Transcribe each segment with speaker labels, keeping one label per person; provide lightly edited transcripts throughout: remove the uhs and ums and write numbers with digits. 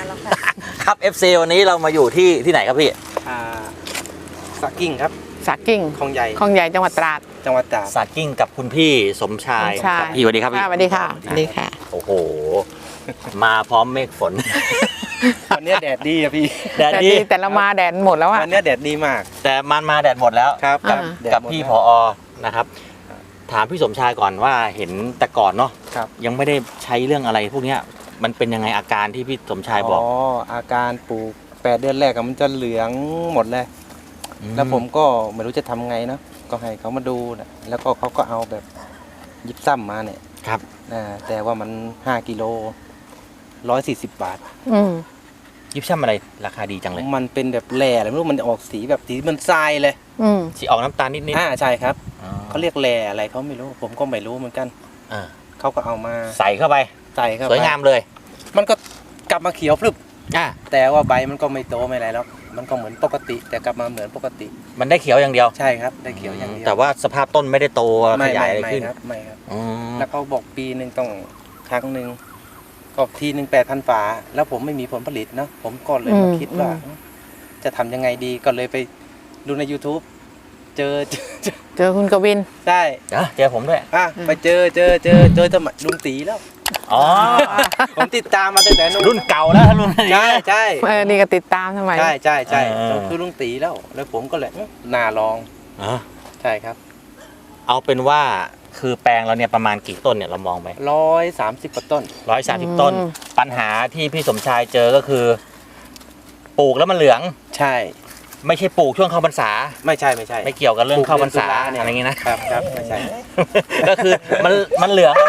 Speaker 1: านแล้วค่ะ
Speaker 2: ครับ FC วันนี้เรามาอยู่ที่ไหนครับพี่
Speaker 3: สักกิ้งครับ
Speaker 1: สักกิ้ง
Speaker 3: คลองใหญ่
Speaker 1: จังหวัดตราด
Speaker 2: สักกิ้งกับคุณพี่สมชายครับพี่สวัสดีครับพี่
Speaker 1: สวัสดีค่ะสวัสดีค่ะ
Speaker 2: โอ้โหมาพร้อมเมฆฝน
Speaker 3: วันนี้แดดดีอะพี่
Speaker 1: แดดดีแต่เรามาแดดหมดแล้วอะ
Speaker 3: วันนี้แดดดีมาก
Speaker 2: แต่มันมาแดดหมดแล้ว
Speaker 3: ครับ
Speaker 2: กับพี่ผอ.นะครับถามพี่สมชายก่อนว่าเห็นแต่ก่อนเนาะยังไม่ได้ใช้เรื่องอะไรพวกนี้มันเป็นยังไงอาการที่พี่สมชายบอก
Speaker 3: อาการปลูก8 เดือนแรกมันจะเหลืองหมดเลยแล้วผมก็ไม่รู้จะทำไงเนาะก็ให้เขามาดูนะแล้วก็เขาก็เอาแบบยิบซ้ำมาเนี่ย
Speaker 2: ครับ
Speaker 3: แต่ว่ามัน5 กิโล140 บาท
Speaker 2: ยิบซ้ำอะไรราคาดีจังเลย
Speaker 3: มันเป็นแบบแหล่อะไรไม่รู้มันออกสีแบบสีมันทรายเลย
Speaker 2: สีออกน้ำตาลนิด
Speaker 3: ใช่ครับเขาเรียกแหล่อะไรเขาไม่รู้ผมก็ไม่รู้เหมือนกันเขาก็เอามา
Speaker 2: ใส่เข้าไปสวยงามเลย
Speaker 3: มันก็กลับมาเขียวพรึบแต่ว่าใบมันก็ไม่โตไม่อะไรแล้วมันก็เหมือนปกติแต่กลับมาเหมือนปกติ
Speaker 2: มันได้เขียวอย่างเดียว
Speaker 3: ใช่ครับได้เขียวอย่างเดียว
Speaker 2: แต่ว่าสภาพต้นไม่ได้โตขยายอะไรขึ้น
Speaker 3: ไม่ครับแล้วเขาบอกปีนึงต้องครั้งนึงก็ทีนึง8,000 ฝาแล้วผมไม่มีผลผลิตเนาะผมก็เลยมาคิดว่าจะทำยังไงดีก็เลยไปดูใน YouTube เจอ
Speaker 1: คุณกวิน
Speaker 3: ใช่
Speaker 2: เจอผมด้วย
Speaker 3: ไปเจอสมัยลุงตีแล้วผมติดตามมาตั้งแต่
Speaker 2: รุ่นเก่าแล้วรุ่น
Speaker 3: ใช่
Speaker 1: นี่ก็ติดตามทำไม
Speaker 3: ใช่คือลุงตีแล้วผมก็เลยน่าลองใช่ครับ
Speaker 2: เอาเป็นว่าคือแปลงเราเนี่ยประมาณกี่ต้นเนี่ยเรามองไป
Speaker 3: 130 กว่าต้น
Speaker 2: 130 ต้นปัญหาที่พี่สมชายเจอก็คือปลูกแล้วมันเหลือง
Speaker 3: ใช่
Speaker 2: ไม่ใช่ปลูกช่วงเข้าพรรษา
Speaker 3: ไม่ใช่
Speaker 2: ไม่เกี่ยวกับเรื่องเข้าพรรษาอะไรอย่างงี้
Speaker 3: นะครับไม่ใช่
Speaker 2: ก็คือมันเหลือง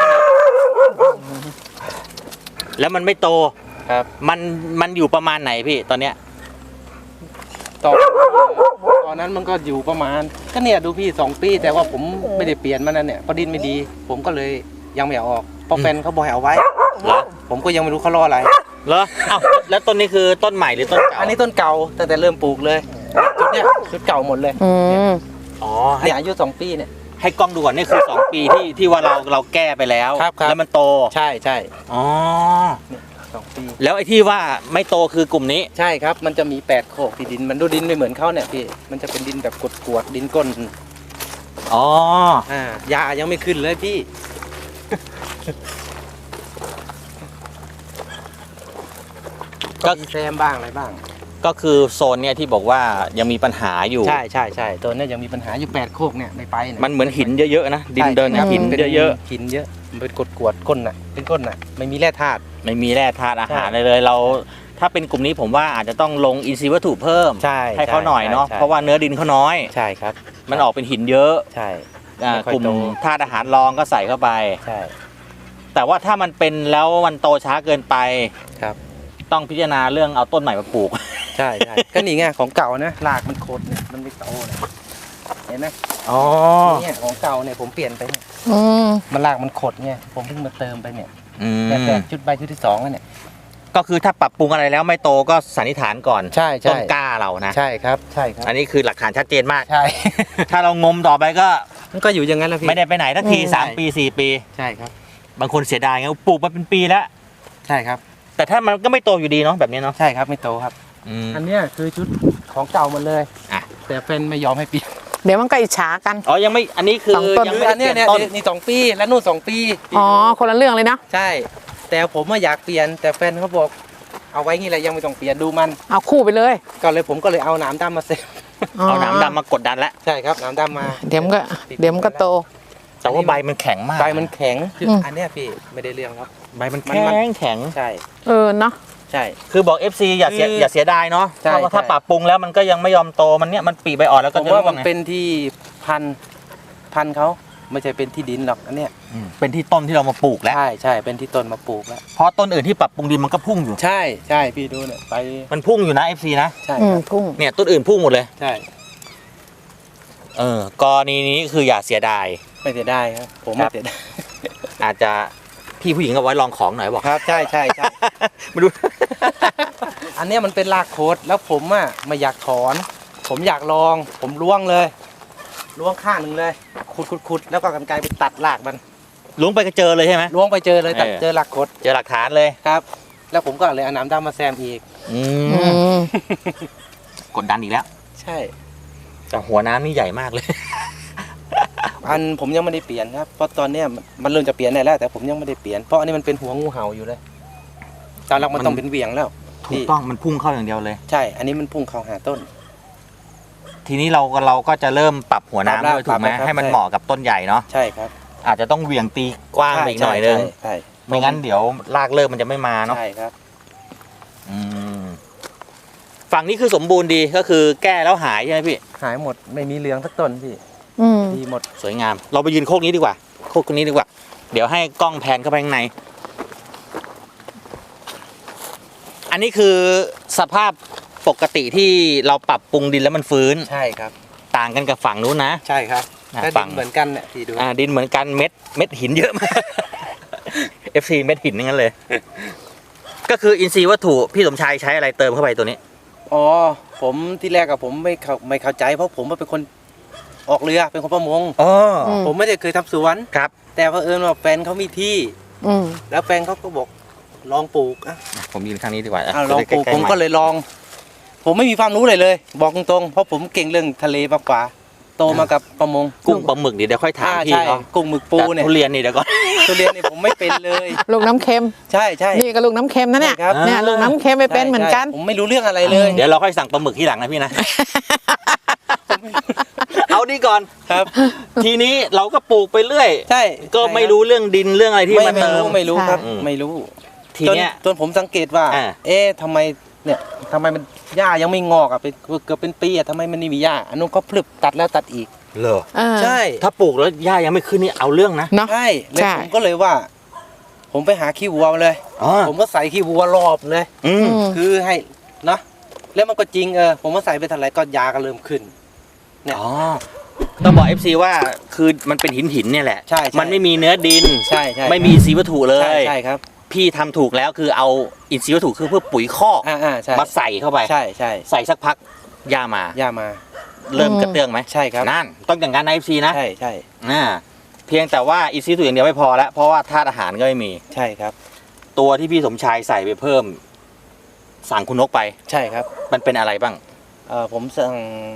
Speaker 2: แล้วมันไม่โต
Speaker 3: ครับ
Speaker 2: มันอยู่ประมาณไหนพี่ตอนเนี้ย
Speaker 3: ตอนนั้นมันก็อยู่ประมาณก็เนี่ยดูพี่2 ปีแต่ว่าผมไม่ได้เปลี่ยนมันนั่นเนี่ยเพราะดินไม่ดีผมก็เลยยังไม่เอาออกเพราะแฟนเขาบอกให้เอาไว้ผมก็ยังไม่รู้เขารออะไร
Speaker 2: เหรออ้าวแล้วต้นนี้คือต้นใหม่หรือต้นเก่า
Speaker 3: อันนี้ต้นเก่าตั้งแต่เริ่มปลูกเลยชุดเก่าหมดเลยเนี่ยอายุ2 ปีเนี่ย
Speaker 2: ให้กล้องดูก่อนนี่คือ2 ปีที่ว่าเราแก้ไปแล้วแล้วมันโต
Speaker 3: ใช่
Speaker 2: อ๋อ
Speaker 3: 2 ปี
Speaker 2: แล้วไอ้ที่ว่าไม่โตคือกลุ่มนี้
Speaker 3: ใช่ครับมันจะมี8 โคกที่ดินมันดูดินไม่เหมือนเขาเนี่ยพี่มันจะเป็นดินแบบกรวดดินก้นยายังไม่ขึ้นเลยพี่ก็แซมบ้างอะไรบ้าง
Speaker 2: ก็คือโซนเนี่ยที่บอกว่ายังมีปัญหาอยู่
Speaker 3: ใช่ตัวนี้ยังมีปัญหาอยู่8 โคกเนี่ยไม่ไป
Speaker 2: มันเหมือนหินเยอะๆนะดินเดินหินเยอะ
Speaker 3: หินเยอะมันเป็นกรวดก้นน่ะเป็นก้นน่ะไม่มีแร่ธาตุ
Speaker 2: อาหารเลยเราถ้าเป็นกลุ่มนี้ผมว่าอาจจะต้องลงอินทรีย์วัตถุเพิ่มให้เขาหน่อยเนาะเพราะว่าเนื้อดินเขาน้อย
Speaker 3: ใช่ครับ
Speaker 2: มันออกเป็นหินเยอะ
Speaker 3: ใช่
Speaker 2: กลุ่มธาตุอาหารรองก็ใส่เข้าไป
Speaker 3: ใช่
Speaker 2: แต่ว่าถ้ามันเป็นแล้วมันโตช้าเกินไป
Speaker 3: ครับ
Speaker 2: ต้องพิจารณาเรื่องเอาต้นใหม่มาปลูก
Speaker 3: ใช่ก็นี่ไงของเก่านะรากมันโคตรเนี่ยมันไม่โตเลยเห็นไหมเนี่ยของเก่าเนี่ยผมเปลี่ยนไปเนี่ยมันรากมันขดเนี่ยผมเพิ่งมาเติมไปเนี่ยแต่ชุดใบชุดที่2แล้วเนี่ย
Speaker 2: ก็คือถ้าปรับปรุงอะไรแล้วไม่โตก็สันนิษฐานก่อน
Speaker 3: ใช่
Speaker 2: ต้นกล้าเรานะ
Speaker 3: ใช่ครับ
Speaker 2: อันนี้คือหลักฐานชัดเจนมาก
Speaker 3: ใช่
Speaker 2: ถ้าเรางมต่อไปก็
Speaker 3: มันก็อยู่อย่างนั้นแล้วพี่
Speaker 2: ไม่ได้ไปไหนทักที3 ปี4 ปี
Speaker 3: ใช่ครับ
Speaker 2: บางคนเสียดายไงปลูกมาเป็นปีแล้ว
Speaker 3: ใช่ครับ
Speaker 2: แต่ถ้ามันก็ไม่โตอยู่ดีเนาะแบบนี้เนาะ
Speaker 3: ใช่ครับไม่โตครับอันนี้คือชุดของเก่าหมดเลยแต่แฟนไม่ยอมให้เปลี่ยน
Speaker 1: เดี๋ยวมันก็อิจฉากัน
Speaker 2: ยังไม่อันนี้คือ
Speaker 3: ยังไม่เนี่ยนี่2 ปีแล้วนู่น2 ปี
Speaker 1: คนละเรื่องเลยนะ
Speaker 3: ใช่แต่ผมอยากเปลี่ยนแต่แฟนเขาบอกเอาไว้งี้แหละยังไม่ต้องเปลี่ยนดูมัน
Speaker 1: เอาคู่ไปเลย
Speaker 3: ผมก็เลยเอาหนามดำมาเซฟ
Speaker 2: เอาหนามดำมากดดันแล้ว
Speaker 3: ใช่ครับหนามดำมา
Speaker 1: เดี๋ยวมันก็โต
Speaker 2: แต่ว่าใบมันแข็งมาก
Speaker 3: ใบมันแข็งคืออันนี้พี่ไม่ได้เรื่องครับ
Speaker 2: ใบมันแข็ง
Speaker 3: ใช่
Speaker 1: เนาะ
Speaker 3: ใช่
Speaker 2: คือบอก FC อย่าเสียดายเนาะเพราะว่าถ้าปรับปรุงแล้วมันก็ยังไม่ยอมโตมันเนี่ยมันปีใบอ่อนแล้วก็
Speaker 3: จะว่ามันเป็นที่พันเขาไม่ใช่เป็นที่ดินหรอกอันเนี้ย
Speaker 2: เป็นที่ต้นที่เรามาปลูกแล้ว
Speaker 3: ใช่เป็นที่ต้นมาปลูกแล้ว
Speaker 2: เพราะต้นอื่นที่ปรับปรุงดินมันก็พุ่งอยู่
Speaker 3: ใช่พี่ดูเนี่ยไป
Speaker 2: มันพุ่งอยู่นะ FC นะ
Speaker 3: ใช่
Speaker 1: พุ่ง
Speaker 2: เนี่ยต้นอื่นพุ่งหมดเลย
Speaker 3: ใช่
Speaker 2: กรณีนี้คืออย่าเสียดาย
Speaker 3: ไม่เสียดายครับผมไม่เสียดาย
Speaker 2: อาจจะพี่ผู้หญิงเอาไว้ลองของหน่อยบอก
Speaker 3: ครับใช่
Speaker 2: มาดู
Speaker 3: อันนี้มันเป็นรากโคตรแล้วผมไม่อยากถอนผมอยากลองผมล้วงข้างหนึ่งเลยขุดแล้วก็กรรไกรไปตัดรากมัน
Speaker 2: ล้วงไปก็เจอเลยใช่ไหม
Speaker 3: ล้วงไปเจอเลยตัดเจอรากโคตร
Speaker 2: เจอหลักฐานเลย
Speaker 3: ครับแล้วผมก็เลยเอาน้ำดำมาแซมอีก
Speaker 2: อื
Speaker 1: อื
Speaker 2: ม
Speaker 1: ม
Speaker 2: กดดันอีกแล้ว
Speaker 3: ใช่
Speaker 2: แต่หัวน้ำนี่ใหญ่มากเลย
Speaker 3: ผมยังไม่ได้เปลี่ยนครับเพราะตอนเนี้ยมันเริ่มจะเปลี่ยนได้แล้วแต่ผมยังไม่ได้เปลี่ยนเพราะอันนี้มันเป็นหัวงูเห่าอยู่เลยตอนแรกมันต้องเป็นเหวี่ยงแล้ว
Speaker 2: ถูกต้องมันพุ่งเข้าอย่างเดียวเลย
Speaker 3: ใช่ อันนี้มันพุ่งเข้าหาต้น
Speaker 2: ทีนี้เราก็จะเริ่มปรับหัวน้ำ
Speaker 3: ปรับ
Speaker 2: ด้วยถูกไหม
Speaker 3: ปรับครับ
Speaker 2: ให้มัน
Speaker 3: ใช่
Speaker 2: เหมาะกับต้นใหญ่เนาะ
Speaker 3: ใช่ครับ
Speaker 2: อาจจะต้องเหวี่ยงตีกว้างไปอีกหน่อยนึง
Speaker 3: ใช่
Speaker 2: ไม่งั้นเดี๋ยวรากเริ่มมันจะไม่มาเนาะ
Speaker 3: ใช่ครับ
Speaker 2: อืมฝั่งนี้คือสมบูรณ์ดีก็คือแก้แล้วหายใช่ไหมพี่
Speaker 3: หายหมดไม่มีเหลืองสักต้นพี่
Speaker 1: อืม
Speaker 3: ดีหมด
Speaker 2: สวยงาม เราไปยืนโคกนี้ดีกว่า โคกนี้ดีกว่า เดี๋ยวให้กล้องแพนเข้าไปข้างใน อันนี้คือสภาพปกติที่เราปรับปรุงดินแล้วมันฟื้น
Speaker 3: ใช่ครับ
Speaker 2: ต่างกันกับฝั่งนู้นนะ
Speaker 3: ใช่ครับ
Speaker 2: อ่ะ
Speaker 3: ถ้า
Speaker 2: ฝั่
Speaker 3: ดิ
Speaker 2: ง
Speaker 3: นเหมือนกันเนี่ยพี่ดู
Speaker 2: ดินเหมือนกันเม็ดหินเยอะมาก FC เม็ดหินนั่นเลย ก็คืออินทรีย์วัตถุพี่สมชายใช้อะไรเติมเข้าไปตัวนี้
Speaker 3: อ๋อผมที่แรกกับผมไม่เข้าใจเพราะผมเป็นคนออกเรือเป็นคนประมง
Speaker 2: อ๋อ
Speaker 3: ผมไม่ได้เคยทำสวน
Speaker 2: ครับ
Speaker 3: แต่เผอิญว่าแฟนเขามีที่
Speaker 1: อืม
Speaker 3: แล้วแฟนเขาก็บอกลองปลูกอ่ะ
Speaker 2: ผมยืนข้างนี้ดีกว่า
Speaker 3: ลองปลูก
Speaker 2: จะได้ใล้ๆ
Speaker 3: ผมก็เลยลอง ผมไม่มีความรู้เลยเลย บอกตรงๆเพราะผมเก่งเรื่องทะเลมากกว่าโตมากับประมง
Speaker 2: กุ้งปลาหมึกเดี๋ยวค่อยถามพี่
Speaker 3: ใช่
Speaker 2: เขา
Speaker 3: กุ้งหมึกปูเนี่ย
Speaker 2: แต่ทุเรียนนี่เดี๋ยวก่อน
Speaker 3: ทุเรียนนี่ผมไม่เป็นเลย
Speaker 1: ลูกน้ำเค็ม
Speaker 3: ใช่ใช่
Speaker 1: นี่ก็ลูกน้ำเค็มนะเนี่ย
Speaker 3: ใช่ครับ
Speaker 1: เนี่ยลูกน้ำเค็มไม่เป็นเหมือนกัน
Speaker 3: ใช่ผมไม่รู้เรื่องอะไรเลย
Speaker 2: เดี๋ยวเราค่อยสั่งปลาหมึกที่หลังนะพี่นะ เอาดีก่อน
Speaker 3: ครับ
Speaker 2: ทีนี้เราก็ปลูกไปเรื่อย
Speaker 3: ใช่
Speaker 2: ก็ไม่รู้เรื่องดินเรื่องอะไรที่
Speaker 3: ไม่
Speaker 2: มาเติม
Speaker 3: ไม่รู้ครับ
Speaker 2: ใช่
Speaker 3: ไม่รู้
Speaker 2: ทีเนี้ย
Speaker 3: จนผมสังเกตว่า
Speaker 2: อ่า
Speaker 3: ทำไมเนี่ยทำไมมันหญ้ายังไม่งอกอ่ะเป็นเกือบเป็นปีอ่ะทำไมมันไม่มีหญ้าอันนู้นก็พลึบตัดแล้วตัดอีก
Speaker 2: เหรอ
Speaker 1: เออ
Speaker 3: ใช่
Speaker 2: ถ้าปลูกแล้วหญ้ายังไม่ขึ้นนี่เอาเรื่องนะ
Speaker 1: เนาะ
Speaker 3: ใช่แล้ว
Speaker 1: ใช่
Speaker 3: ผมก็เลยว่า ผมไปหาขี้วัวมาเลย
Speaker 2: อ๋อ
Speaker 3: ผมก็ใส่ขี้วัวรอบเลย
Speaker 2: อืม
Speaker 1: อืม
Speaker 3: คือให้เนาะแล้วมันก็จริงผมก็ใส่ไปเท่าไหร่ก็ยาก็เริ่มขึ้น เนี่ย
Speaker 2: อ๋อต้องบอก FC ว่าคือมันเป็นหินเนี่ยแหละ
Speaker 3: ใช่
Speaker 2: มันไม่มีเนื้อดิน
Speaker 3: ใช่ใช่
Speaker 2: ไม่มีอินทรีย์วัตถุเล
Speaker 3: ใช่
Speaker 2: ย
Speaker 3: ใช่ครับ
Speaker 2: พี่ทำถูกแล้วคือเอาอินทรีย์วัตถุคือเพื่อปุ๋ยคอก
Speaker 3: ใช่
Speaker 2: มาใส่เข้าไป
Speaker 3: ใช่ใช่
Speaker 2: ใส่สักพักหญ้ามา
Speaker 3: ยามา
Speaker 2: เริ่มกระเตื้องไหม
Speaker 3: ใช่ครับ
Speaker 2: นั่นต้องอย่างนั้นนะ FC นะ
Speaker 3: ใช่ใช่
Speaker 2: เพียงแต่ว่าอินทรีย์วัตถุอย่างเดียวไม่พอแล้วเพราะว่าธาตุอาหารก็ไม่มี
Speaker 3: ใช่ครับ
Speaker 2: ตัวที่พี่สมชายใส่ไปเพิ่ม สั่งคุณนกไป
Speaker 3: ใช่ครับ
Speaker 2: มันเป็นอะไรบ้าง
Speaker 3: ผมสั่ง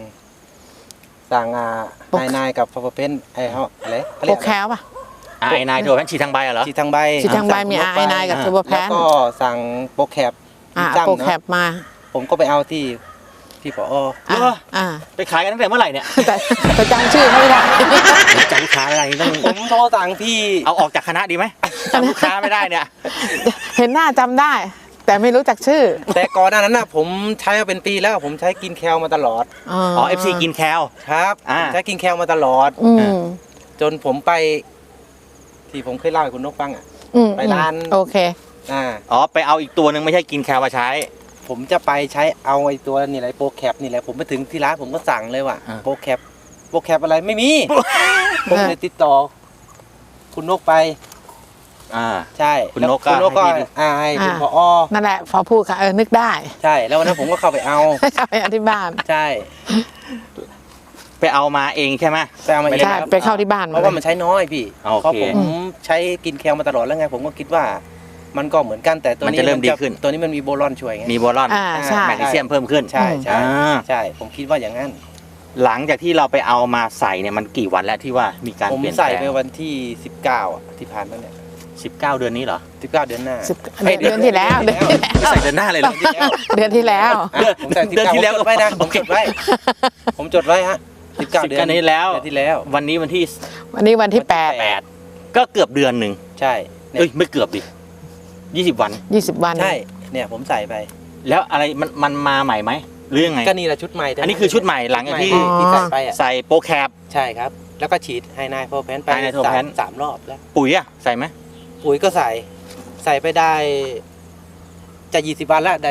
Speaker 1: โปร
Speaker 3: ไอนายกับพาวเวอร์เพนไอเขาอะไรเขา
Speaker 1: โป
Speaker 3: เรี
Speaker 1: ร
Speaker 3: ยก
Speaker 1: แคลป่ะ
Speaker 2: ไอ้นายตัวแพนฉีดทางใบเหรอ
Speaker 3: ฉีดทางใบ
Speaker 1: ฉีดทางใบมีไอนายกับ
Speaker 2: อ่า
Speaker 1: ทูโบแพ
Speaker 3: แล้ว
Speaker 1: น
Speaker 3: ก็สั่งโปรแคป
Speaker 1: โปรแคปมา
Speaker 3: ผมก็ไปเอาที่ผอ
Speaker 1: อ่าอ่า
Speaker 2: ไปขายกันตั้งแต่เมื่อไหร่เนี่ย
Speaker 1: แต่จำชื่อเขาไม่ได้
Speaker 2: จำลูกค้าอะไรต้อง
Speaker 3: ผมโทรสั่งที่
Speaker 2: เอาออกจากคณะดีไหมจำลูกค้าไม่ได้เนี่ย
Speaker 1: เห็นหน้าจำได้ แต่ไม่รู้จักชื่อ
Speaker 3: แต่ก่อนหน้านั้นนะผมใช้มาเป็นปีแล้วผมใช้กินแคลมาตลอด
Speaker 1: อ๋อ
Speaker 2: อ๋อ FC กินแคล
Speaker 3: ครับ
Speaker 2: อ่า
Speaker 3: ผมใช้กินแคลมาตลอด
Speaker 1: อืม
Speaker 3: จนผมไป ที่ผมเคยเล่าให้คุณนกฟังอ่ะ
Speaker 1: อืม
Speaker 3: ไปร้าน
Speaker 1: โอเค
Speaker 2: อ๋อไปเอาอีกตัวหนึ่งไม่ใช่กินแคลมาใช้
Speaker 3: ผมจะไปใช้เอาไอ้ตัวนี่แหละโปรแคปนี่แหละผมไปถึงที่ร้านผมก็สั่งเลยว่า
Speaker 2: อ่า
Speaker 3: โปรแคปอะไรไม่มี ผมเลยติดต่อ คุณนกไป ใช่
Speaker 2: คุณนกก็
Speaker 3: คุณนกก็
Speaker 2: ให้พี่
Speaker 3: ให้คุณ
Speaker 1: อ่า
Speaker 3: พอ
Speaker 1: นั่นแหละพอพูดค่ะนึกได้
Speaker 3: ใช่ แล้ววันนั้นผมก็เข้าไปเอา
Speaker 1: เข้าไปอธิบาย
Speaker 3: ใช่
Speaker 2: ไปเอามาเองใช่ไหม
Speaker 3: ไปเอามาเอง
Speaker 1: ใช่
Speaker 3: ครับ
Speaker 1: ไปเข้าที่บ้าน
Speaker 3: เพราะว่ามันใช้น้อยพี่
Speaker 2: โอเค
Speaker 3: เพราะผมใช้กินแคลมาตลอดแล้วไง ผมก็คิดว่า มันก็เหมือนกันแต่ตัวนี้
Speaker 2: มันจะเริ่มดีขึ้น
Speaker 3: ตัวนี้มันมีโบรอนช่วยไง
Speaker 2: มีโบรอน
Speaker 1: อ่าใช่
Speaker 2: แมกนีเซียมเพิ่มขึ้น
Speaker 3: ใช่ใช่
Speaker 2: อ่า
Speaker 3: ใช่ ผมคิดว่าอย่างนั้น
Speaker 2: หลังจากที่เราไปเอามาใส่เนี่ยมันกี่วันแล้วที่ว่ามีการ
Speaker 3: ผม
Speaker 2: เปลี่ยนแป
Speaker 3: ใส่
Speaker 2: ล
Speaker 3: ไป
Speaker 2: ง
Speaker 3: วันที่ 19อ่ะที่ผ่านมาเนี่ย
Speaker 2: 19 เดือนนี้เหรอ
Speaker 3: 19 เดือนหน้า
Speaker 1: เดือนที่แล้วเดือนที่แล้ว
Speaker 2: ใส่เดือนหน้าเลยเหรอ
Speaker 1: เดือนที่แล้ว
Speaker 3: ผมใส่
Speaker 2: เดือนที่แล้ว
Speaker 3: ผมจดไว้นะผมจดไว้ ผมจดไว้ฮะ19 เดือน
Speaker 2: 19นี้แล้ว
Speaker 3: เดือนที่แล้ว
Speaker 2: วันนี้วันที่
Speaker 1: วันนี้วันที่
Speaker 2: 8ก็เกือบเดือนหนึ่ง
Speaker 3: ใช่เนี่ย
Speaker 2: เอ้ยไม่เกือบดิ20 วัน
Speaker 1: 8 20 วัน
Speaker 3: ใช่เนี่ยผมใส่ไป
Speaker 2: แล้วอะไรมันมาใหม่ไหมหรือยังไง
Speaker 3: ก็นี่แหละชุดใหม่
Speaker 2: อันนี้คือชุดใหม่หลังจากที่
Speaker 3: ที่ใส่ไปอ่ะ
Speaker 2: ใส่โปรแคป
Speaker 3: ใช่ครับ แล้วก็ฉีดไฮนายโฟร์แพนไป
Speaker 2: Hynine
Speaker 3: สามรอบแล้ว
Speaker 2: ปุ๋ยอะใส่ไหม
Speaker 3: ปุ๋ยก็ใส่ไปได้จะ20 วันแล้วได้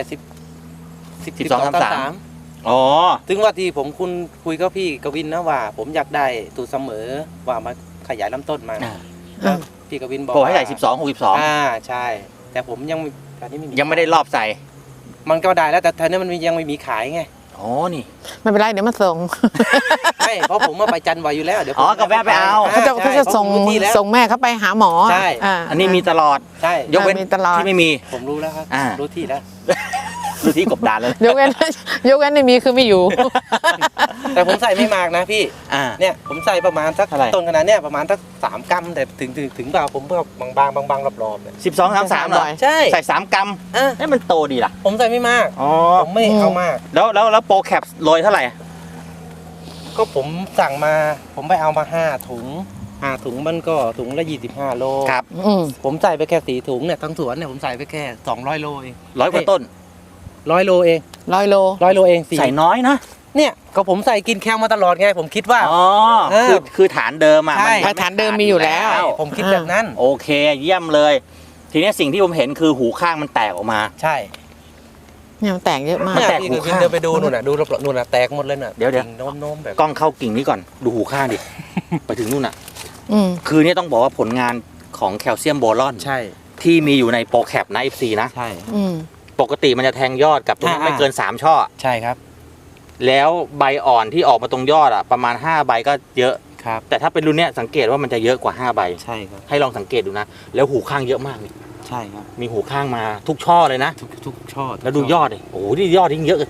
Speaker 3: 12
Speaker 2: อ๋อ
Speaker 3: ถึงว่าที่ผมคุยกับพี่กวินนะว่า ผมอยากได้ตูเสมอว่ามาขยายลำต้นมา
Speaker 2: อ่า
Speaker 3: แล้วพี่กวินบอก
Speaker 2: โปรให้ใส่
Speaker 3: ว่า
Speaker 2: 12
Speaker 3: ใช่ แต่ผมยังตอนนี้
Speaker 2: 62ยังไม่ได้รอบใส่
Speaker 3: มันก็ได้แล้วแต่ตอนนี้มันยังไม่มีขายไง
Speaker 2: อ๋อนี่
Speaker 1: ไม่เป็นไรเดี๋ยวมาส่ง
Speaker 3: ช่เพราะผมมาไปจันทร์ไว้อยู่แล้วเดี๋ยวผม
Speaker 2: ก็แวะไปเอา
Speaker 1: เขาจะ
Speaker 3: ใช่
Speaker 1: ส่ง
Speaker 3: ผมรู้ที่แล้ว
Speaker 1: ส่งแม่เขาไปหาหมอ
Speaker 3: ใช่
Speaker 2: อันนี้มีตลอด
Speaker 3: ใช่
Speaker 2: ยกเว้น
Speaker 1: มีตลอด
Speaker 2: ที่ไม่มี
Speaker 3: ผมรู้แล้วครับ รู้ที่แล้ว
Speaker 2: ดูที่กบดานเลย
Speaker 1: ยกเว้น ยกเว้นไม่มีคือไม่อยู่
Speaker 3: แต่ผมใส่ไม่มากนะพี่ เนี่ยผมใส่ประมาณสัก
Speaker 2: เท่าไหร่
Speaker 3: ต้นขนาดเนี้ยประมาณสัก3 กรัมแต่ถึงเปล่าผมเพิ่มบางๆรอบๆเนี่ย
Speaker 2: 12-13เหรอ
Speaker 3: ใช่
Speaker 2: ใส่3 กรัม
Speaker 3: อ่ะ
Speaker 2: ให้มันโตดีล่ะ
Speaker 3: ผมใส่ไม่มาก
Speaker 2: อ๋อ
Speaker 3: ผมไม่เอามาก
Speaker 2: แล้วโปรแคปโรยเท่าไหร่
Speaker 3: ก็ผมสั่งมาผมไปเอามา5 ถุง5 ถุงมันก็ถุงละ25 โล
Speaker 2: ครับ
Speaker 1: อืม
Speaker 3: ผมใส่ไปแค่4 ถุงเนี่ยทั้งสวนเนี่ยผมใส่ไปแค่200 โลเอง
Speaker 2: 100 กว่าต้น
Speaker 3: 100 โลเอง
Speaker 1: 100 โล
Speaker 3: 100 โลเองสี่
Speaker 2: ใส่น้อยนะ
Speaker 3: เนี่ยก็ผมใส่กินแคลมาตลอดไงผมคิดว่า
Speaker 2: อ๋อ คือฐานเดิมอ่ะ
Speaker 3: ใช่
Speaker 1: ฐานเดิมมีอยู่แล้ว
Speaker 3: ผมคิดแบบนั้น
Speaker 2: โอเค เยี่ยมเลย ทีนี้สิ่งที่ผมเห็นคือหูข้างมันแตกออกมา
Speaker 3: ใช่
Speaker 1: เนี่ยมันแตกเยอะมาก
Speaker 3: เนี่ย
Speaker 2: แตก
Speaker 3: พี่
Speaker 2: หู
Speaker 3: คือ
Speaker 2: ข้าง
Speaker 3: เดินไปดูนู่นน่ะดูรอบๆนู่นน่ะแตกหมดเลยน่ะ
Speaker 2: เดี๋ยว
Speaker 3: กิ่งโน้มๆแบบ
Speaker 2: กล้องเข้ากิ่งนี้ก่อน ดูหูข้างดิ ไปถึงนู่นอ่ะ
Speaker 1: อืม
Speaker 2: คือเนี่ยต้องบอกว่าผลงานของแคลเซียมโบรอน
Speaker 3: ใช่
Speaker 2: ที่มีอยู่ในโปรแคปนะ FC นะ
Speaker 3: ใช่
Speaker 1: อืม
Speaker 2: ปกติมันจะแทงยอดกับตรงนี้ไม่เกิน 3 ช่อ
Speaker 3: ใช่ครับ
Speaker 2: แล้วใบอ่อนที่ออกมาตรงยอดอ่ะประมาณ5 ใบก็เยอะ
Speaker 3: ครับ
Speaker 2: แต่ถ้าเป็นรุ่นเนี้ยสังเกตว่ามันจะเยอะกว่า5 ใบ
Speaker 3: ใช่ครับ
Speaker 2: ให้ลองสังเกตดูนะ แล้วหูข้างเยอะมากเลย
Speaker 3: ใช่ครับ
Speaker 2: มีหูข้างมาทุกช่อเลยนะ
Speaker 3: ทุกช่อ
Speaker 2: แล้วดูยอดดิโอ้โหนี่ยอดยิ่งเยอะ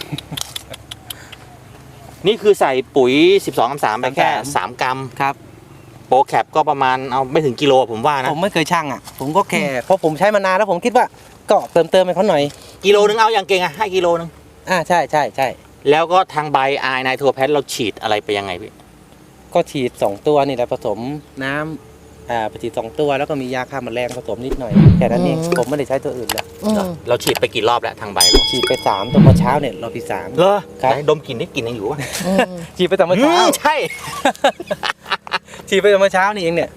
Speaker 2: นี่คือใส่ปุ๋ย 12-3 ไปแค่ 3 กรัม
Speaker 3: ครับ
Speaker 2: โปรแคปก็ประมาณเอาไม่ถึงกิโลผมว่านะ
Speaker 3: ผมไม่เคยชั่งอ่ะผมก็แค่เพราะผมใช้มานานแล้วผมคิดว่าก็เติมให้เขาหน่อย
Speaker 2: กิโลนึงเอาอย่างเก่งอะให้กิโลนึง
Speaker 3: ใช่ใช่ใช่
Speaker 2: แล้วก็ทางใบไอไนโทรแพทเราฉีดอะไรไปยังไงพี่
Speaker 3: ก็ฉีด2 ตัวนี่แหละผสมน้ำไปฉีด2 ตัวแล้วก็มียาฆ่าแมลงผสมนิดหน่อยแค่นั้นเองผมไม่ได้ใช้ตัวอื่นเลย
Speaker 1: อืม
Speaker 2: เราฉีดไปกี่รอบแล้วทางใบเรา
Speaker 3: ฉีดไป3ตัวเมื่อเช้าเนี่ยรอบที่3
Speaker 2: เหรอ
Speaker 3: ครับ
Speaker 2: ไหนดมกลิ่นได้กลิ่นยังอยู่วะ
Speaker 1: อืม
Speaker 3: ฉีดไปแต่เมื่อเช้า
Speaker 2: ใช่
Speaker 3: ฉีดไปแต่เมื่อเช้านี่เองเนี่ย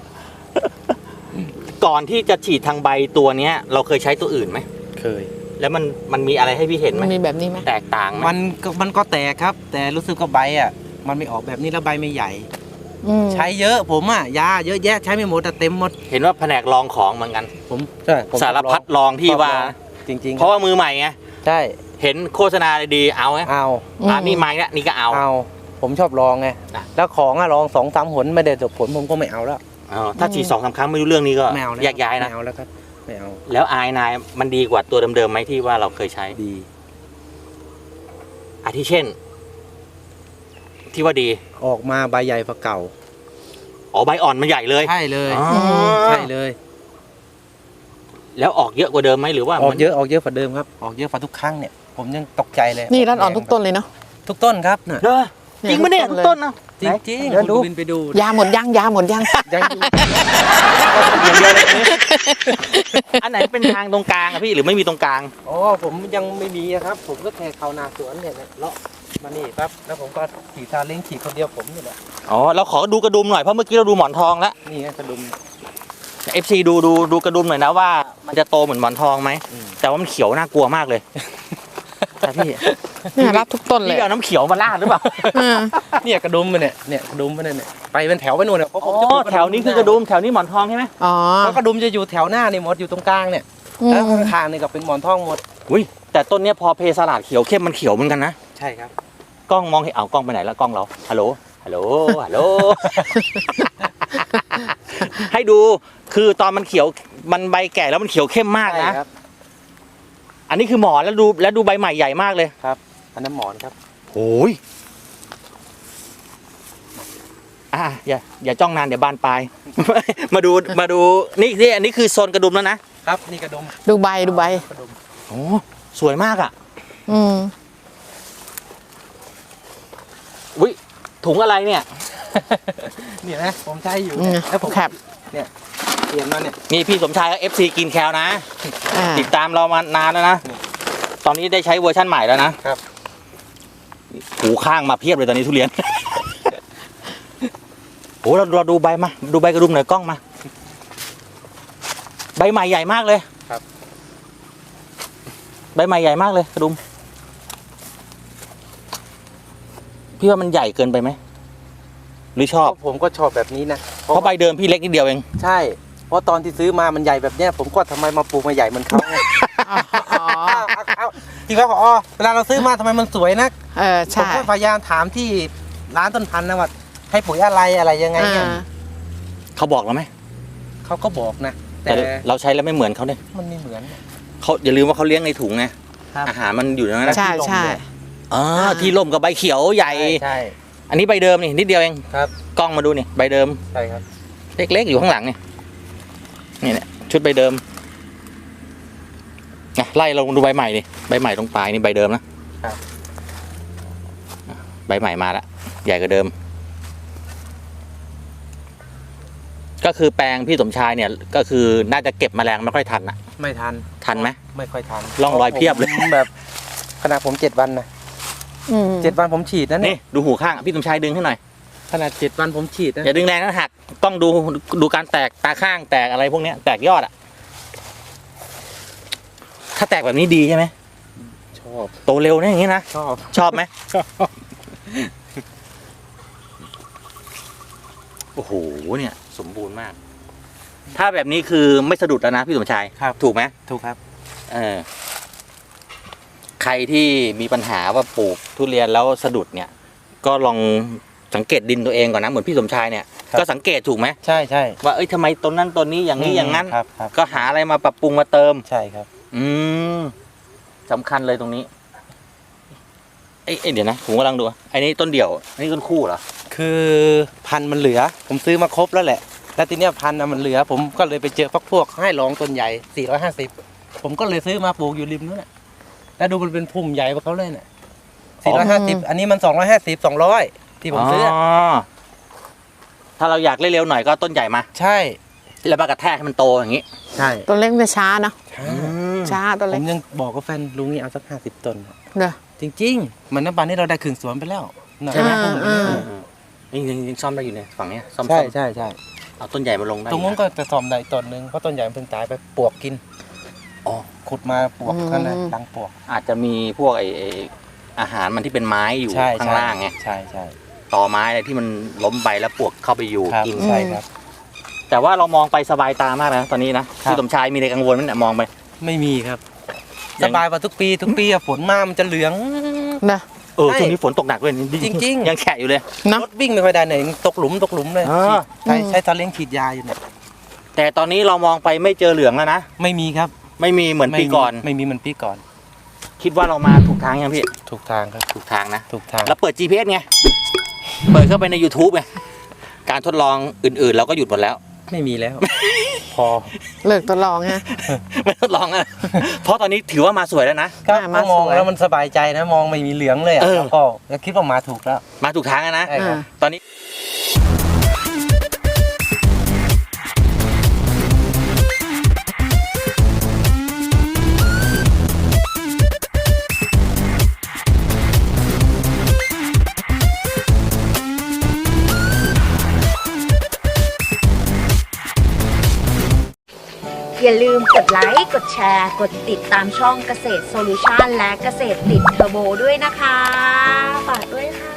Speaker 2: ก่อนที่จะฉีดทางใบตัวเนี้ย เราเคยใช้ตัวอื่นไหม
Speaker 3: เคย
Speaker 2: แล้วมันมีอะไรให้พี่เห็นไหม
Speaker 1: มันมีแบบนี้ไหม
Speaker 2: แตกต่างไหม
Speaker 3: มันก็แตกครับ แต่รู้สึกว่าใบอ่ะมันไม่ออกแบบนี้แล้วใบไม่ใหญ่
Speaker 1: อืม
Speaker 3: ใช้เยอะผมอ่ะยาเยอะแยะใช้ไม่หมดแต่เต็มหมด
Speaker 2: เห็นว่าแผนกลองของเหมือนกัน
Speaker 3: ผมใช่ผม
Speaker 2: สารพัดลองที่ว่า
Speaker 3: จริงๆ
Speaker 2: เพราะว่ามือใหม่ไง
Speaker 3: ใช่
Speaker 2: เห็นโฆษณาดีๆเอาไง
Speaker 3: เอา
Speaker 2: นี่ไม้ละนี่ก็เอา
Speaker 3: ผมชอบลองไง
Speaker 2: อ่ะ
Speaker 3: แล้วของอ่ะลอง2-3 หนไม่ได้จบผลผมก็ไม่เอาแล้ว
Speaker 2: ถ้าฉีด2-3 ครั้งไม่รู้เรื่องนี้ก็
Speaker 3: ไม่เอาแล้ว
Speaker 2: แยกย้ายนะ
Speaker 3: ไม่เอาแล้วครับไม่เอา
Speaker 2: แล้วไอไนมันดีกว่าตัวเดิมๆไหมที่ว่าเราเคยใช้
Speaker 3: ดี
Speaker 2: อาทิเช่น ที่ว่าดี
Speaker 3: ออกมาใบใหญ่กว่าเก่า
Speaker 2: อ๋อใบอ่อนมันใหญ่เลย
Speaker 3: ใช่เลย
Speaker 2: อ๋อ
Speaker 3: ใช่เลย
Speaker 2: แล้วออกเยอะกว่าเดิมไหมหรือว่า
Speaker 3: ออก
Speaker 2: มัน
Speaker 3: เยอะกว่าเดิมครับออกเยอะกว่าทุกครั้งเนี่ยผมยังตกใจเลย
Speaker 1: นี่รัดอ่อนทุกต้นเลยเนาะ
Speaker 3: ทุกต้นครับน่ะ
Speaker 2: เหรอจริงปะเนี่ย
Speaker 1: ทุกต้นเลย
Speaker 2: ต้นเนาะ
Speaker 3: จริงๆ
Speaker 2: เดี๋ยวดู
Speaker 3: คุณบินไปดู
Speaker 1: ยาหมดยังยาหมดยัง
Speaker 3: ยังอยู่
Speaker 2: อย่างเดียวเลยอันไหนเป็นทางตรงกลางอะพี่หรือไม่มีตรงกลาง
Speaker 3: อ๋อผมยังไม่มีอะครับ ผมก็แค่เข้านาสวนเนี่ยเลาะมานี่ปั๊บแล้วผมก็ขี่ซาเล้งขี่คนเดียวผมนี่แหละ
Speaker 2: อ๋อเราขอดูกระดุมหน่อยเพราะเมื่อกี้เราดูหมอนทองแล้ว
Speaker 3: นี่ไงกระดุม
Speaker 2: FC ดูกระดุมหน่อยนะว่ามันจะโตเหมือนหมอนทองไหม
Speaker 3: อืม
Speaker 2: แต่ว่ามันเขียวน่ากลัวมากเลยแต่พี่
Speaker 1: เนี่ยรับทุกต้นเลย
Speaker 2: พี่เอาน้ำเขียวมาราดหรือเปล่า
Speaker 1: อ่า
Speaker 3: เนี่ยกระดุมมันเนี่ยกระดุมมันเนี่ยไปเป็นแถวไปนู่นเนี่ยเพราะผ
Speaker 2: อ๋
Speaker 3: มจะปลู
Speaker 2: อก แถวนี้คือกระดุมแถวนี้หมอนทองใช่ไหม
Speaker 1: อ๋อ
Speaker 3: เพราะกระดุมจะอยู่แถวหน้านี่หมดอยู่ตรงกลางเนี่ย
Speaker 1: อืม
Speaker 3: แล้วข้างๆนี่ก็เป็นหมอนทองหมด
Speaker 2: อุ้ยแต่ต้นเนี้ยพอเพสลัดเขียวเข้มมันเขียวเหมือนกันนะ
Speaker 3: ใช่ครับ
Speaker 2: กล้องมองเห็นเอากล้องไปไหนแล้วกล้องเราฮัลโหลฮัลโหลฮัลโหล ให้ดูคือตอนมันเขียวมันใบแก่แล้วมันเขียวเข้มมากนะ
Speaker 3: ใช่ครับ
Speaker 2: อันนี้คือหมอนแล้วดูใบใหม่ใหญ่มากเลย
Speaker 3: ครับอันนั้นหมอนครับ
Speaker 2: โอ้ยอย่าจ้องนานเดี๋ยวบานปลาย มาดูนี่อันนี้คือโซนกระดุมแล้วนะครับ
Speaker 3: นี่กระดุม
Speaker 1: ดูใบ
Speaker 3: กระดุม
Speaker 2: โอ้สวยมากอ่ะ
Speaker 1: อืม
Speaker 2: อุ้ยถุงอะไรเนี่ย
Speaker 3: เนี่ยนะผมใช้อยู่
Speaker 1: อืม
Speaker 3: แล้วผม
Speaker 1: แคป
Speaker 3: เปลี่ยนมาเนี่ย
Speaker 2: นี่พี่สมชายก็ FC กินแคลนะ
Speaker 1: อ่า
Speaker 2: ติดตามเรามานานแล้วนะ ตอนนี้ได้ใช้เวอร์ชั่นใหม่แล้วนะครับ หูข้างมาเพียบเลยตอนนี้ทุเรียน โอ้เราดูใบมา ดูใบกระดุมหน่อยกล้องมา ใบใหม่ใหญ่มากเลย
Speaker 3: ครับ
Speaker 2: ใบใหม่ใหญ่มากเลยกระดุม พี่ว่ามันใหญ่เกินไปไหม หรือชอบ
Speaker 3: ผมก็ชอบแบบนี้นะ
Speaker 2: เพราะใบเดิมพี่เล็กนิดเดียวเอง
Speaker 3: ใช่ เพราะตอนที่ซื้อมามันใหญ่แบบเนี้ยผมก็ทำไมมาปลูกมาใหญ่เหมือนเขาไง
Speaker 1: อ๋อ
Speaker 3: เอาจริงครับพอเวลาเราซื้อมาทำไมมันสวยนัก
Speaker 1: เออ
Speaker 3: ผม
Speaker 1: ใช่
Speaker 3: ก็พยายามถามที่ร้านต้นพันธุ์นะว่าให้ปุ๋ยอะไรยังไงเนี่ย
Speaker 2: เขาบอกเราไหม
Speaker 3: เขาก็บอกนะ
Speaker 2: แต่เราใช้แล้วไม่เหมือนเขาเนี่ย
Speaker 3: มันไม่เหมือน
Speaker 2: เขาอย่าลืมว่าเขาเลี้ยงในถุงไง
Speaker 3: ครับ
Speaker 2: อาหารมันอยู่ในนั้นนะ
Speaker 1: ใช่ใช่
Speaker 2: อ๋อที่ร่มกับใบเขียวใหญ่
Speaker 3: ใช่
Speaker 2: อันนี้ใบเดิมนี่นิดเดียวเอง
Speaker 3: ครับ
Speaker 2: กล้องมาดูนี่ใบเดิม
Speaker 3: ใช่ครับ
Speaker 2: เล็กๆอยู่ข้างหลังนี่นี่เนี่ยชุดใบเดิมนะไล่ลงดูใบใหม่นี่ใบใหม่ตรงปลายนี่ใบเดิมนะครับ ใบใหม่มาละใหญ่กว่าเดิม ก็คือแปลงพี่สมชายเนี่ยก็คือน่าจะเก็บแมลงไม่ค่อยทันอะ
Speaker 3: ไม่ทัน
Speaker 2: ทันไหม
Speaker 3: ไม่ค่อยทัน
Speaker 2: ร่องรอยเพียบเลย
Speaker 3: ผมแบบขนาดผม7 วันนะ
Speaker 1: อืม
Speaker 3: 7 วันผมฉีดนะ
Speaker 2: นี่
Speaker 3: เนี่ย
Speaker 2: ดูหูข้างพี่สมชายดึงให้หน่อย
Speaker 3: ขนาด7 วันผมฉีดนะ
Speaker 2: อย่าดึงแรงนะหักต้องดูการแตกตาข้างแตกอะไรพวกเนี้ยแตกยอดอะถ้าแตกแบบนี้ดีใช่ไหม
Speaker 3: ชอบ
Speaker 2: โตเร็วเนี่ยอย่างนี้นะ
Speaker 3: ชอบ
Speaker 2: ชอบไหมโอ้โหเนี่ยสมบูรณ์มาก ถ้าแบบนี้คือไม่สะดุดแล้วนะพี่สมชาย
Speaker 3: ครับ
Speaker 2: ถูกไหม
Speaker 3: ถูกครับ
Speaker 2: ใครที่มีปัญหาว่าปลูกทุเรียนแล้วสะดุดเนี่ย ก็ลองสังเกตดินตัวเองก่อนนะเหมือนพี่สมชายเนี่ย
Speaker 3: ครับ
Speaker 2: ก็สังเกตถูกไหม
Speaker 3: ใช่ใช่
Speaker 2: ว่าเอ้ยทำไมต้นนั้นต้นนี้อย่างนี้อย่างนั้น
Speaker 3: ครับครับ
Speaker 2: ก็หาอะไรมาปรับปรุงมาเติม
Speaker 3: ใช่ครับ
Speaker 2: อืมสำคัญเลยตรงนี้เอ้ยเดี๋ยวนะผมกำลังดูไอ้นี่ต้นเดี่ยวอันนี้ต้นคู่เหรอ
Speaker 3: คือพันธุ์มันเหลือ ผมซื้อมาครบแล้วแหละ แล้วทีเนี้ยพันธุ์มันเหลือ ผมก็เลยไปเจอพวกให้ลองต้นใหญ่450ผมก็เลยซื้อมาปลูกอยู่ริมนู้นน่ะแล้วดูมันเป็นพุ่มใหญ่กว่าเขาเลยน่ะ450อันนี้มัน250 200ที่ผมซื้ออ
Speaker 2: ถ้าเราอยากเร็วๆหน่อยก็ต้นใหญ่มา
Speaker 3: ใช่
Speaker 2: แล้วมากระแทกให้มันโตอย่างนี้
Speaker 3: ใช่
Speaker 1: ตัวเล็กจะช้าเนอะ
Speaker 2: ม
Speaker 1: ช้าตัว
Speaker 3: ผ
Speaker 1: เล็ก
Speaker 3: มยังบอกกับแฟนลุงนี่เอาสัก50 ต้น
Speaker 1: เด้อ
Speaker 3: จริงๆเหมือนน้ำปานนี่เราได้ครึ่งสวนไปแล้วน่ะ
Speaker 1: ใช่ไหม
Speaker 3: พุ่ม
Speaker 1: อ่า
Speaker 2: ยังซ่อมได้อยู่เนี่ยฝั่งเนี้ยซ่อม
Speaker 3: ใช่ใช่ใช่
Speaker 2: เอาต้นใหญ่มาลงได้
Speaker 3: ตรงนู้นก็จะซ่อมได้ต้นหนึงเพราะต้นใหญ่มันเพิ่งตายไปปวกกิน
Speaker 2: อ๋อ
Speaker 3: ขุดมาปวกข้างในรังปวก
Speaker 2: อาจจะมีพวกไอ้อาหารมันที่เป็นไม้อยู่
Speaker 3: ใช่
Speaker 2: ข้างล่างไง
Speaker 3: ใช่ใช่
Speaker 2: ตอไม้อะไรที่มันล้มไปแล้วปลวกเข้าไปอยู่
Speaker 3: ครับ
Speaker 2: กิน
Speaker 3: ใช่ครับ
Speaker 2: แต่ว่าเรามองไปสบายตามากนะตอนนี้นะครับ พี่สมชายมีอะไรกังวลไหมเนี่ยมองไป
Speaker 3: ไม่มีครับ
Speaker 2: ยั
Speaker 3: ส
Speaker 2: ง
Speaker 3: บายกว่าทุกปีอะฝนมามันจะเหลือง
Speaker 1: เด้อ
Speaker 2: เช่วงนี้ฝนตกหนักด้วย
Speaker 3: จริงๆ
Speaker 2: ยังแฉะอยู่เลย
Speaker 1: เนาะ
Speaker 3: รถวิ่งไม่ค่อยได้เนี่ยตกหลุมเลย
Speaker 2: อ่า
Speaker 3: ใช้ซาเล้งฉีดยาอยู่เนี่ย
Speaker 2: แต่ตอนนี้เรามองไปไม่เจอเหลืองแล้วนะ
Speaker 3: ไม่มีครับ
Speaker 2: ไม่มีเหมือนปีก่อน
Speaker 3: ไม่มีเหมือนปีก่อน
Speaker 2: คิดว่าเรามาถูกทางยังพี่
Speaker 3: ถูกทางครับ
Speaker 2: ถูกทางนะ
Speaker 3: ถูกทาง
Speaker 2: แล้วเปิด GPS ไงเปิดเข้าไปใน YouTube ไงการทดลองอื่นๆ เราก็หยุดหมดแล้ว
Speaker 3: ไม่มีแล้ว พอ
Speaker 1: เลิกตัวลองฮะ
Speaker 2: ไม่ทดลองอ่ะ เพราะตอนนี้ถือว่ามาสวยแล้วนะ
Speaker 3: ครับ
Speaker 1: มา
Speaker 3: มอง
Speaker 1: สวย
Speaker 3: แล้วมันสบายใจนะมองไม่มีเหลืองเลยอะ
Speaker 2: เออ
Speaker 3: แล้วก็คิดว่ามาถูกแล้ว
Speaker 2: มาถูกทางแล้วนะ
Speaker 3: ใช่ครับ
Speaker 2: ตอนนี้
Speaker 4: อย่าลืมกดไลค์ กดแชร์ กดติดตามช่องเกษตรโซลูชันและเกษตรติดเทอร์โบด้วยนะคะ ฝากด้วยค่ะ